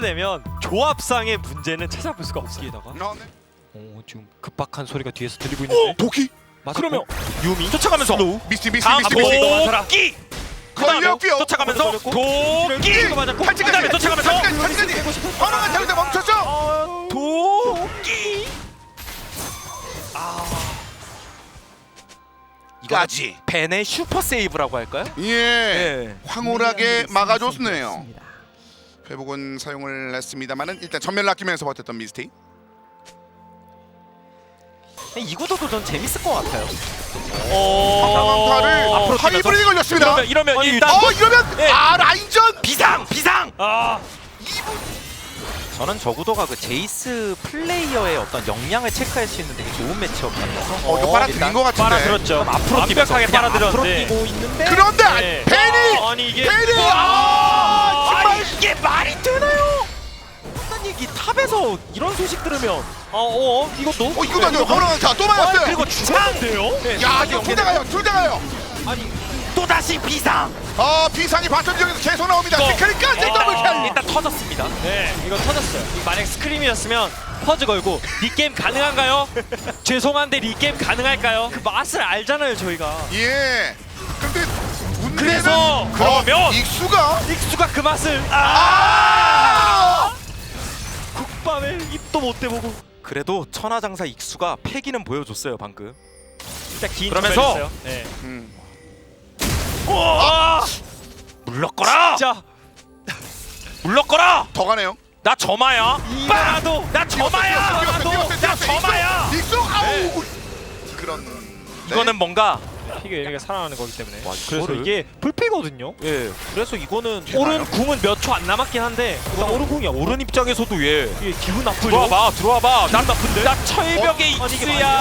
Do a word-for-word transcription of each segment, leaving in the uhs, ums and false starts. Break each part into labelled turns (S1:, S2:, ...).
S1: 되면 조합상의 문제는 찾아볼 수가 없어요.
S2: 어, 네.
S1: 오, 지금 급박한 소리가 뒤에서 들리고 있는데.
S2: 도끼
S1: 맞았고.
S3: 그러면
S1: 유미
S3: 쫓아가면서
S2: 미스티 미스티 미스티
S3: 다음
S2: 미스티
S3: 도끼
S2: 걸렸고요.
S3: 쫓아가면서 도끼
S1: 맞았고.
S3: 그다음에 쫓아가면서
S2: 탈진까지 하나만 잡을 때 멈췄죠.
S3: 도끼
S2: 까지.
S3: 벤의 슈퍼 세이브라고 할까요?
S2: 예.
S3: 네.
S2: 황홀하게 막아줬네요. 회복은 사용을 했습니다만은 일단 전멸을 아끼면서 버텼던 미스티.
S3: 이 구도도 전 재밌을 것 같아요.
S2: 방탄타를
S3: 앞으로
S2: 하이브리드 걸렸습니다.
S3: 이러면, 이러면
S1: 아니,
S3: 일단
S2: 어 이러면
S3: 네.
S2: 아 라인전
S3: 비상 비상.
S1: 아,
S3: 저는 저 구도가 그 제이스 플레이어의 어떤 역량을 체크할 수 있는 되게 좋은 매치업 같아서
S2: 어 이거 빨아들인 것 같은데.
S1: 빨아들었죠.
S3: 앞으로 뛰면서
S1: 완벽하게
S3: 그냥 앞으로
S1: 빨아들었는데.
S3: 뛰고 있는데
S2: 그런데
S1: 네.
S2: 벤이
S1: 아, 아니 이게
S2: 벤이 아 정말
S3: 아니 이게 말이 되나요? 어떤 얘기 탑에서 이런 소식 들으면
S1: 어, 어, 이것도
S2: 어 이거 맞아요. 호랑이타 또
S3: 아,
S2: 맞았어요.
S3: 그리고 중앙인데요?
S2: 야 이거 둘 다 가요. 둘 다 가요.
S3: 또 다시 비상.
S2: 아 비상이 바텀 지역에서 계속 나옵니다.
S3: 이거.
S2: 시크릿까지
S3: 어,
S2: 더블킬.
S3: 일단 터졌습니다.
S1: 네, 이거 터졌어요. 이거 만약 스크림이었으면 퍼즈 걸고 리게임 가능한가요? 죄송한데 리게임 가능할까요? 그 맛을 알잖아요 저희가.
S2: 예. 근데 문제는
S1: 그래서
S3: 그러면
S2: 어, 익수가
S1: 익수가 그 맛을
S2: 아!
S1: 국밥에 입도 못 대보고.
S3: 그래도 천하장사 익수가 패기는 보여줬어요 방금.
S1: 일단 긴
S3: 그러면서
S1: 전멸 있어요. 네.
S2: 음.
S3: 아! 물러거라.
S1: 진짜
S3: 물러거라.
S2: 더 가네요.
S3: 나 점아야.
S1: 이마도
S3: 나 점아야.
S2: 뛰었어요, 뛰었어요,
S3: 나
S2: 뛰었어요.
S3: 점아야.
S2: 익수 아우. 그런
S3: 이거는 뭔가
S1: 피가 얘네가 살아나는 거기 때문에.
S3: 와,
S1: 그래서
S3: 이거를-
S1: 이게 불피거든요.
S3: 예. 그래서 이거는
S1: 오른 궁은 몇 초 안 남았긴 한데 일단 오른 궁이야. 오른
S3: 오른 입장에서도 예.
S1: 이게 기분 나쁘죠.
S3: 들어와봐, 들어와봐. 나
S1: 나쁜데?
S3: 나 철벽의
S1: 어? 아니, 이게
S3: 익수야.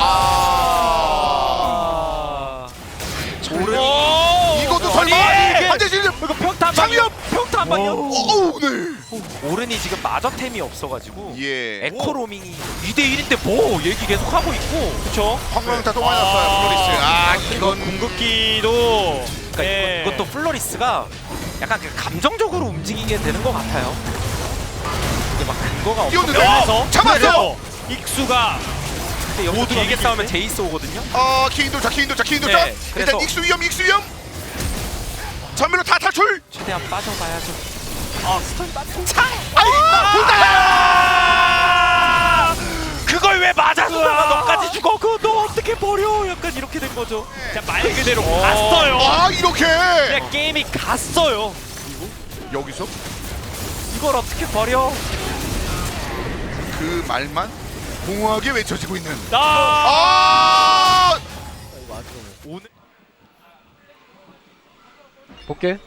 S2: 아.
S3: 오른.
S2: 이것도
S3: 아니,
S2: 설마
S3: 이게-
S2: 한대 실력
S1: 이거 평타 한
S2: 장염!
S1: 방이요. 평타 한 방이요.
S2: 오우 네.
S3: 오른이 지금 마저템이 없어가지고
S2: 예.
S3: 에코로밍이 이 대 일인데 뭐 얘기 계속 하고 있고.
S1: 그렇죠.
S2: 황광타 또 맞았어요. 플로리스. 아 이건
S1: 궁극기도
S3: 그러니까
S1: 예.
S3: 이것, 이것도 플로리스가 약간 그 감정적으로 움직이게 되는 것 같아요. 이게 막 근거가
S2: 뛰었는데
S3: 없어서
S2: 어, 잡았어.
S1: 그래서 익수가
S3: 근데 여기서
S1: 모두가
S3: 길게
S1: 이길
S3: 싸우면
S1: 때?
S3: 제이스 오거든요.
S2: 어 키인 도착 키인 도착 키인 도착.
S3: 네,
S2: 일단
S3: 그래서-
S2: 익수 위험 익수 위험. 전멸로 다 탈출.
S3: 최대한 빠져봐야죠.
S1: 아 스턴 맞고
S2: 아이
S3: 아! 그걸 왜 맞아주다가 너까지 죽어?
S1: 그거 너 어떻게 버려? 약간 이렇게 된 거죠. 그냥 말 그대로
S3: 어.
S1: 갔어요.
S2: 아 이렇게
S1: 그냥 게임이 갔어요.
S2: 여기서
S1: 이걸 어떻게 버려?
S2: 그 말만 공허하게 외쳐지고 있는.
S1: 아,
S2: 아
S1: 오늘
S4: 볼게.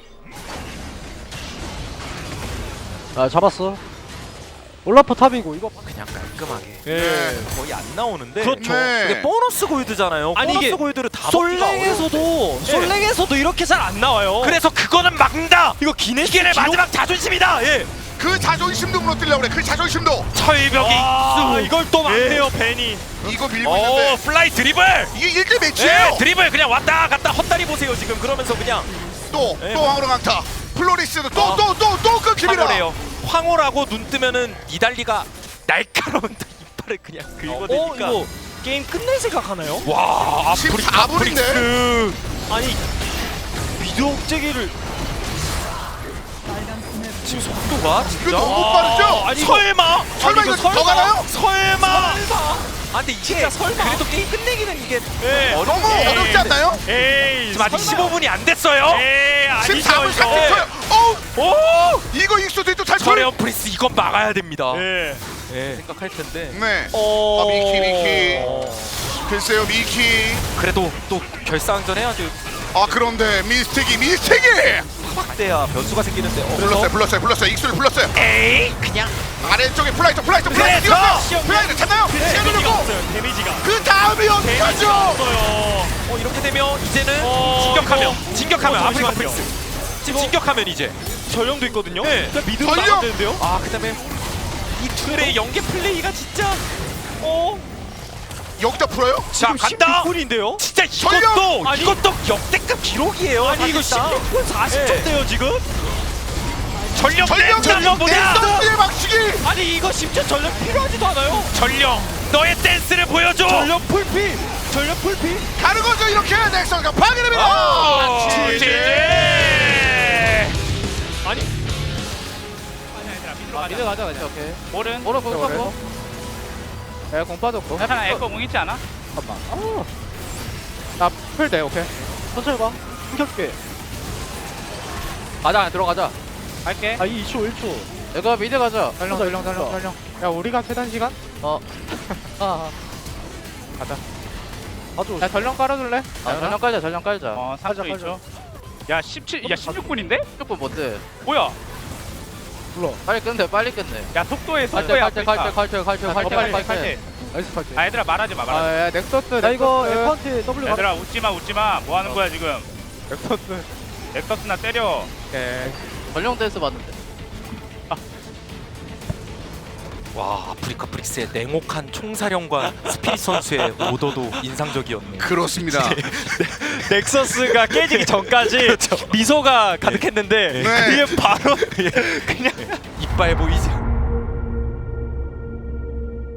S4: 아 잡았어. 올라프 탑이고 이거
S3: 그냥 깔끔하게.
S1: 예.
S3: 거의 안 나오는데.
S1: 그렇죠.
S2: 네.
S3: 근데 보너스 골드잖아요.
S1: 아니,
S3: 보너스
S1: 이게
S3: 골드를 다 먹기가 어려워.
S1: 솔랭에서도 솔랭에서도 이렇게 잘 안 나와요.
S3: 그래서 그거는 막는다.
S1: 이거 기네스
S3: 이게 내
S1: 기록-
S3: 마지막 자존심이다. 예.
S2: 그 자존심도 무너뜨리려고 그래. 그 자존심도.
S3: 철벽의
S1: 아,
S3: 익수.
S1: 이걸 또 막네요 벤이.
S2: 이거 밀고
S3: 어,
S2: 있는데
S3: 플라이 드리블.
S2: 이게 일 대 매치예요.
S3: 예, 드리블 그냥 왔다 갔다 헛다리 보세요 지금. 그러면서 그냥
S2: 또
S3: 네,
S2: 또 황홀한 강타. 플로리스도
S3: 아.
S2: 또 또 또 또 끊깁니다.
S3: 황홀해요. 황홀하고 눈 뜨면은 니달리가 날카로운 이빨을 그냥
S1: 어,
S3: 긁어대니까.
S1: 이거 게임 끝낼 생각하나요?
S3: 와,
S2: 지금
S3: 아프리,
S2: 사 분인데?
S3: 아프릭스.
S1: 아니 미드 억제기를
S3: 지금 속도가
S2: 이거
S3: 진짜.
S2: 너무 빠르죠?
S1: 아니 이거
S3: 설마.
S2: 설마
S1: 아니,
S2: 이거
S1: 이거
S2: 더
S1: 설마?
S2: 가나요?
S3: 설마. 아 근데 이게
S1: 진짜 설마?
S3: 그래도 게임 끝내기는 이게
S1: 예.
S3: 어려운
S2: 너무
S3: 게
S2: 어렵지 않나요?
S1: 에이
S3: 지금 아직
S1: 설마.
S3: 십오 분이 안 됐어요.
S1: 에이 아니죠
S2: 십사 분
S1: 이거.
S2: 삼십 초요. 어우
S3: 오!
S2: 이거 익수도 또 탈출.
S3: 저레온 프리스 이건 막아야 됩니다.
S1: 예.
S3: 예. 생각할 텐데.
S2: 네.
S1: 어.
S2: 아, 미키, 미키. 글쎄요 미키.
S3: 그래도 또 결승전 해야죠.
S2: 아 그런데 미스틱이 미스틱이
S3: 확대야 변수가 생기는데. 어,
S2: 불렀어요 불렀어요 불렀어요 익수를 불렀어요.
S3: 에이 그냥
S2: 아래쪽에 플라이트 플라이트 플라이트
S3: 그래서!
S2: 뛰었어요. 플라이트 찾나요? 시간
S1: 데미지가
S2: 돌렸고
S1: 없어요 데미지가.
S2: 그 다음이
S1: 데미지가
S2: 어떡하죠?
S1: 없어요.
S3: 어 이렇게 되면 이제는
S1: 어,
S3: 진격하면
S1: 이거-
S3: 진격하면
S1: 어,
S3: 아프리카
S1: 잠시만요.
S3: 프리스 지금 진격하면 이제
S1: 전령도 있거든요.
S3: 네.
S1: 그냥 미드로
S2: 전령!
S1: 나가면 되는데요.
S3: 아 그다음에 이 둘의 연계 플레이가 진짜
S1: 어?
S2: 여기다 풀어요?
S3: 자 간다.
S1: 십육 분인데요.
S3: 진짜
S2: 전령!
S3: 이것도
S1: 아니,
S3: 이것도 역대급 기록이에요.
S1: 아니 이거
S3: 사실상.
S1: 십육 분 사십 초대요 지금.
S3: 전령
S2: 전령
S3: 전령 보자.
S2: 넥서스의 막치기.
S1: 아니 이거 심지어 전력 필요하지도 않아요.
S3: 전령 너의 댄스를 보여줘.
S1: 전력 풀피. 전력 풀피.
S2: 가는 거죠 이렇게 넥서스가 파괴됩니다.
S3: 아,
S1: 지지.
S3: 지지.
S1: 아니
S5: 아, 미드 가자 그냥.
S4: 오케이.
S5: 오른.
S4: 오른 거기
S5: 오른.
S4: 고 야, 공 빠졌고.
S5: 하나 에코 공 있지 않아?
S4: 잠깐만. 아. 나풀 돼, 오케이. 천천히 봐. 숨겨줄게. 가자, 들어가자.
S5: 갈게.
S4: 아, 이 이 초, 일 초. 내가 미드 가자.
S6: 전령 전령 전령 전령 야 우리가 최단 시간?
S4: 어. 아, 아.
S6: 가자
S4: 가져.
S6: 야 전령 깔아줄래?
S4: 아, 전령 깔자, 전령 깔자.
S5: 어, 삼 초 이 초. 야, 십칠, 야, 십육 분인데?
S4: 조금 뭔데?
S5: 뭐야?
S6: 불러
S4: 빨리 끝내, 빨리 끝내.
S5: 야, 속도에
S4: 칼퇴,
S5: 속도에
S4: 칼퇴, 칼퇴, 칼퇴, 칼퇴,
S6: 더
S4: 칼퇴,
S6: 빨리
S4: 칼퇴.
S6: 칼퇴 나이스 칼퇴
S5: 아, 얘들아 말하지 마, 말하지 마.
S6: 아야 넥서스
S4: 나 이거
S6: 넥서스,
S4: F한테 W 가.
S5: 얘들아 웃지 마, 웃지 마. 뭐 하는 거야 지금?
S6: 넥서스
S5: 넥서스나 때려.
S6: 오케이
S4: 전령 댄스 봤는데.
S3: 와 아프리카 브릭스의 냉혹한 총사령관 스피릿 선수의 오더도 인상적이었네요.
S2: 그렇습니다.
S1: 넥서스가 깨지기 전까지 미소가 가득했는데
S2: 네.
S1: 그게 바로 그냥
S3: 이빨 보이세요?